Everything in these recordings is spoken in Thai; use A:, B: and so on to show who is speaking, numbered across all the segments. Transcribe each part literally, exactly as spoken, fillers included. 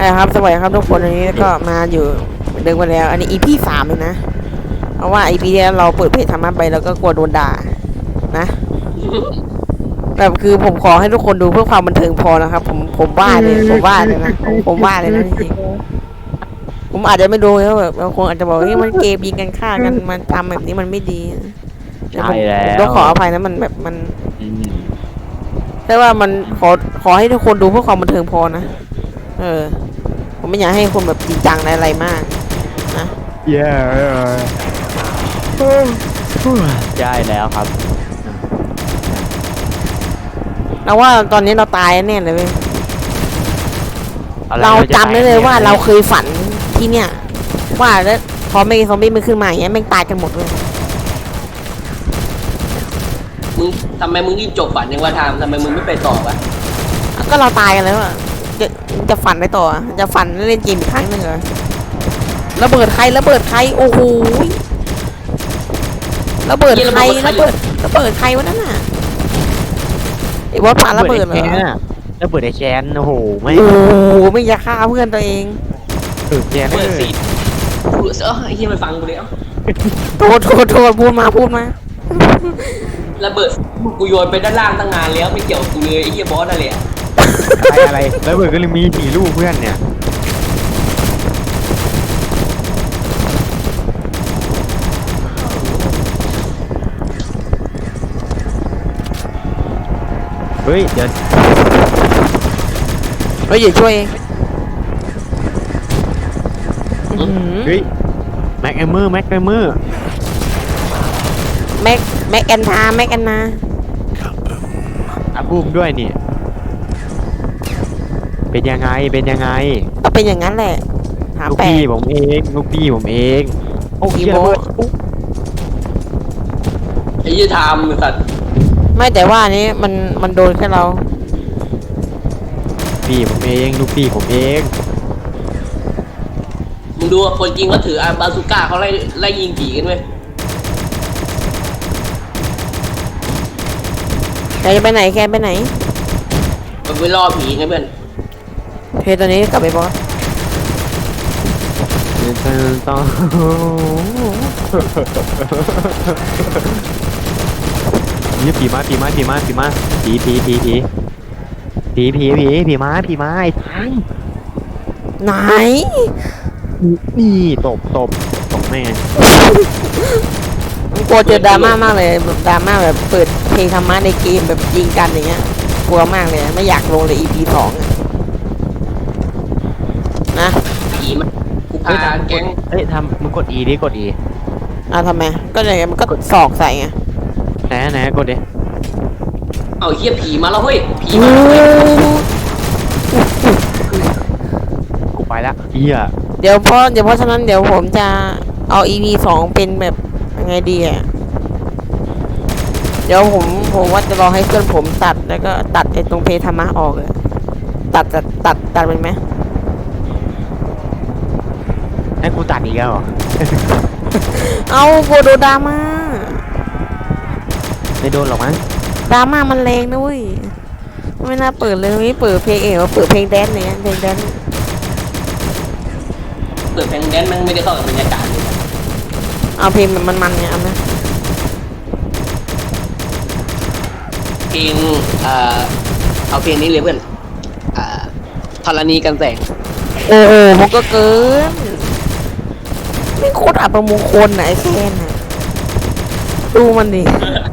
A: ครับสวัสดีครับทุกคนอันนี้ก็มาอยู่เดิมกันแล้วอันนี้ อี พี สามเลยนะเพราะว่า อี พี ที่แล้วเราเปิดเพจธรรมะไปแล้วก็กลัวโดนด่านะแบบคือผมขอให้ทุกคนดูเพื่อความบันเทิงพอนะครับผมผมว่าเลยผมว่าเลยนะผมผมว่าเลยนะจริงๆผมอาจจะไม่ดูแล้วแบบบางคนอาจจะบอกเฮ้ยมันเกมยิงกันฆ่ากันมันทำแบบนี้มันไม่ดีแต่ผมผมต้องขออภัยนะมันแบบมันแต่ว่ามันขอขอให้ทุกคนดูเพื่อความบันเทิงพอนะเออผมไม่อยากให้คนแบบจริงจังอะไรมากนะ
B: เย้ได้แล้วครับ
A: เราว่าตอนนี้เราตายแน่เลยเว้ยเราจำได้เลยว่าเราเคยฝันที่เนี่ยว่าแล้วพอไม่ซอมบี้มันขึ้นมาอย่างเงี้ยแม่งตายกันหมดเลย
C: มึงทำไมมึงรีบจบฝันยังว่าทำทำไมมึงไม่ไปต่อวะ
A: ก็เราตายกันแล้วอะจะจะฝันไปต่อจะฝันเล่นเกมอีกครั้งหนึ่งเหรอระเบิดใครระเบิดใครโอ้โหระเบิดใครระเบิดระเบิดใครวะนั่นน่ะไอ้บอสปาระเบิดเหรอ
B: ระเบิดไอ้แคนโอ้โหไม่
A: โอ้โหไม่อยากฆ่าเพื่อนตัวเอง
B: เออแคน
C: เปิดสิกูเออไอ้เหี้ยมันฟังกูเลยเอ้า
A: โทษโทษโทษพูดมาพูดมา
C: ระเบิดกูโยนไปด้านล่างตั้งนานแล้วไม่เกี่ยวกูเลยไอ้เหี้ยบอสนั่นแหละ
B: อะไรอะไรระเบิดก็เลยมีสี่ลูกเพื่อนเนี่ยเฮ้ยเดี๋ยว
A: เฮ้ยอย่าช่วยเอง
B: เฮ้ยแม็กแอมเมอร์แม็กแอมเมอร์
A: แม็กแม็กแอนนาแม็กแอนนา
B: อาบูมด้วยนี่เป็นยังไงเป็นยังไง
A: ก็เป็นอย่างนั้นแหละ
B: ลูกพี่ผมเองลูกพี่ผมเอง
A: โอ้ยโบ
C: ไอ้ยี่ทามสัตว์
A: ไม่แต่ว่านี้มันมันโดนแค่เรา
B: พี่ผมเองลูกพี่ผมเอง
C: มึงดูคนจริงเขาถืออาบาซูก้าเขาไล่ไล่ยิงผีกันไหม
A: แกจะไปไหนแกไปไหน
C: มันไปล่อผีไงเพื่อน
A: เพตอนนี้กลับไปบอส
B: ต้องนี่ผีมาผีมาผีมาผีมาผีผีผีผีผีผีผีผีมาผีมาไอ้ทัง
A: ไหน
B: นี่ตบตบตบแม่
A: กลัวเจอดราม่ามากเลยแบบดราม่าแบบเปิดเพลงธรรมะในเกมแบบยิงกันอย่างเงี้ยกลัวมากเลยไม่อยากลงเลย อี พี สองนะ
C: ผีมันกูพาแก๊ง
B: เฮ้ยทำมึงกด E ดิกด E
A: อ่ะทำไมก็เลยมันก็สอกใส่ไง
B: ไหนไหนกดดิ
C: เอาเหี้ยผีมาแล้วเฮ้ยผีมา
B: กูไปละเหี้ย
A: เดี๋ยวเพราะเดี๋ยวเพราะฉะนั้นเดี๋ยวผมจะเอา อี พี สองเป็นแบบยังไงดีอ่ะเดี๋ยวผมผมว่าจะรอให้เพื่อนผมตัดแล้วก็ตัดไอ้ตรงเพธรรมะออกเลยตัดตัดตัดตัดเป็นไหม
B: ให้กูตัดอีกแล้วเหรอ
A: เอาโกโดดราม่า
B: ไม่โดนหรอกมั้ง
A: ดราม่ามันแรงนะเว้ยไม่น่าเปิดเลยไม่เปิดเพลงเองว่าเปิดเพลงแดนเนี่ยเพลงแดน
C: เปิดเพลงแดนมันไม่ได้เข้ากับบรรยากาศเลย
A: เอาเพลงมันมันเนี่ยเอาไหม
C: เพลงเอ่อเอาเพลงนี้เลยเพื่อนอ่าธรณีกันแสง
A: โอ้โหมันก็เกินไม่โคตรอัปมงคลไหนแค่น่ะดูมันดิ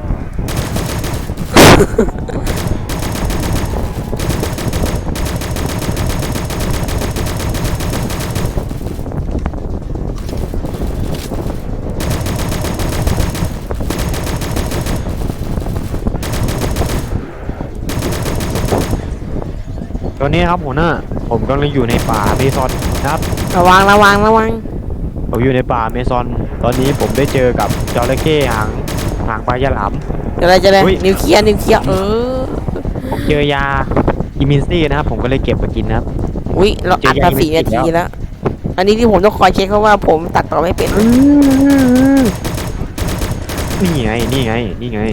B: ตอนนี้ครับหัวหน้าผมกำลังอยู่ในป่าเมซอนครับ
A: ระวังระวังระวัง
B: ผมอยู่ในป่าเมซอนตอนนี้ผมได้เจอกับจระเข้หางหางปลาฉลาม
A: อะไรจะได้นิวเคลียร์นิวเคลียร์เออ
B: ผมเจอยาอิมินซี่นะครับผมก็เลยเก็บมากินนะครับ
A: อุ้ยเราอัดมาสี่นาทีแล้วอันนี้ที่ผมต้องคอยเช็คเพราะว่าผมตัดต่อไม่เป็น
B: นี่ไงนี่ไงนี่ไง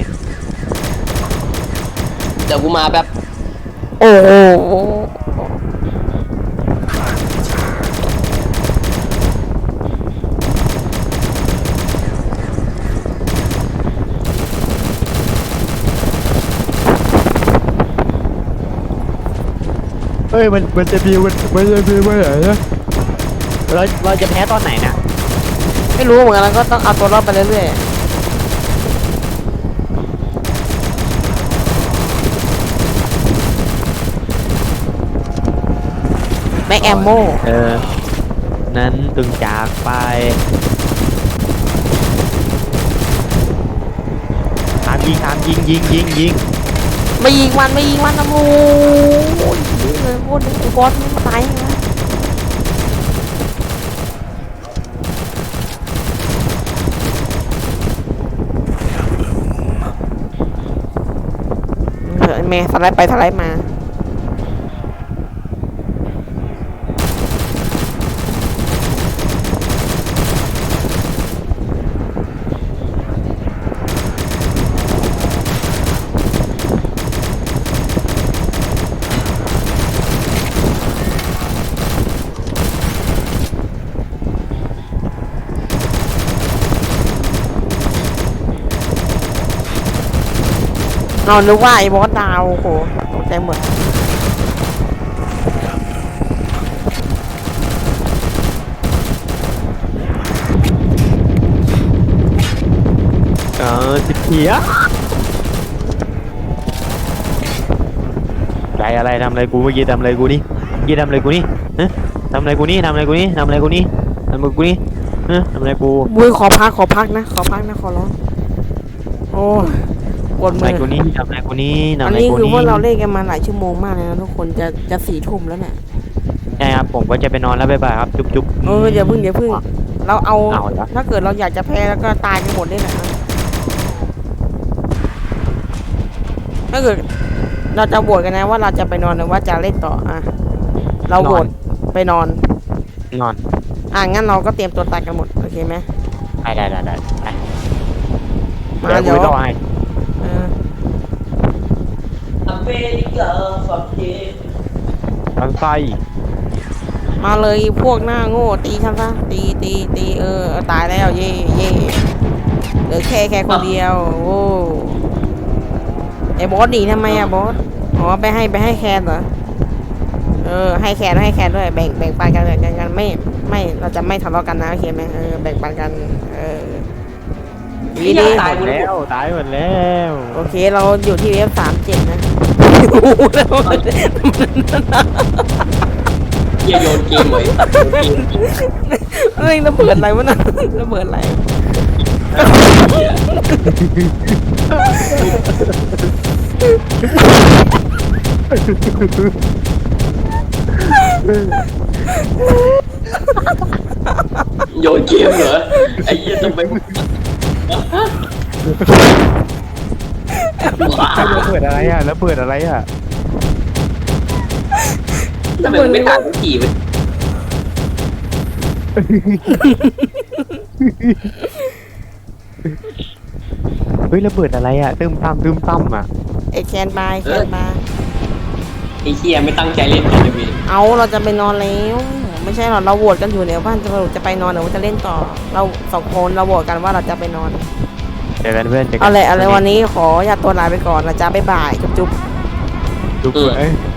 C: เดี๋ยวกูมาแบบ
A: โอ้โห
B: ฮ้ยมันมันจะมีมันมันจะมีเมื่อไหร่นะเราเราจะแพ้ตอนไหนเนี่ย
A: ไม่รู้เหมือนกันแล้วก็ต้องเอาตัวรอดไปเรื่อยๆแม็กแอมโม
B: เออนั้นตึงจากไปตามยิงตามยิงยิงยิงยิง
A: ไม่ยิงมันไม่ยิงมันนะโอ้ยยิงเลยโคตรไอ้บอสมันมาตายนะเถอะแม่สไลด์ไปสไลด์มาเรานึกว่าไอ้บอสดาวโอ้โหตกใจหมด
B: เออสิบเทียอะไรอะไรทำอะไรกูเมื่อกี้ทำอะไรกูนี่เมื่อกี้ทำอะไรกูนี่ฮะทำอะไรกูนี่ทำอะไรกูนี่ทำอะไรกูนี่ทำอะไรกูนี่ฮะทำอะไรกู
A: บุ้ยขอพักขอพักนะขอพักนะขอร้องโอ้ยปวด
B: ทำ
A: มื
B: อะไร
A: อ
B: กูนี่ทำอะไรกูนี่ทำ
A: อั
B: อะ
A: น
B: ไร
A: นี้
B: กู
A: คือ
B: นี่
A: ว่าเราเล่นกันมาหลายชั่วโมงมากเลยนะทุกคนจะจะสี่ทุ่มแล้วเนี่ย
B: ใช่ครับผมก็จะไปนอนแล้วบ๊ายบายครับจุ๊บจุ๊บ
A: เอออย่าพึ่งอย่าพึ่งเราเอา
B: เอาละ
A: ถ้าเกิดเราอยากจะแพ้แล้วก็ตายกันหมดได้แหละนะถ้าเกิดเราจะโหวตกันนะว่าเราจะไปนอนหรือว่าจะเล่นต่ออ่ะเราโหวตไปนอน
B: นอน
A: อ่ะงั้นเราก็เตรียมตัวตายกันหมดโอเคไหม
B: ได้ได้ได้ได้ไป
A: มา
B: เดี๋ยวกู
A: เดี๋ยว
B: ต้องให้
A: เออ
C: อเมริกาฝักเย
B: ทางไส้
A: มาเลยพวกหน้าโง่ตีฉันซะตีตีตีเออเอาตายแล้วเย่เย่เหลือแค่แค่คนเดียวโอ้ไอ้บอสหนีทำไมอะบอสอ๋อไปให้ไปให้แคนเหรอเออให้แคนให้แคนด้วยแบ่งแบ่งปันกันแบ่งกันไม่ไม่เราจะไม่ทะเลาะกันนะโอเคไหมเออแบ่งปันกันเออดีดี
C: ตาย
B: หมดแล้วตายหมดแล้ว
A: โอเคเราอยู่ที่เวฟสามเจ็ดนะ
C: เหี้ยโยนเกมเลยโยนเกม
A: เฮ้ยระเบิดอะไรวะน่ะระเบิดอะไร
C: เหี้ยโยนเกมเหรอไอ้เหี้ยทำไม
B: แล้วเปิดอะไรอ่ะแล้วเปิดอะไรอ่ะ
C: ทำไมมันไม่ตายสักทีวะ
B: เฮ้ยแล้วเปิดอะไรอ่ะตึมตั้มตึมตั้มอ่ะ
A: ไอแคนบายแคนบาย
C: ไอ้เหี้ยไม่ตั้งใจเล่นเลยนะเว้ย
A: เอาเราจะไปนอนแล้วไม่ใช่หรอกเราโหวตกันอยู่เนี่ยว่าจะจะไปนอนหรือว่าจะเล่นต่อ เราสองคนเราโหวตกันว่าเราจะไปนอน
B: เจอกันเพื่อนเจอกั
A: เอาเลยเอาเลยวันนี้ขออย่าตัวลาไปก่อนนะจ๊ะบ๊ายบายจุ๊บจุ๊บ
B: จุ๊บเอ้ย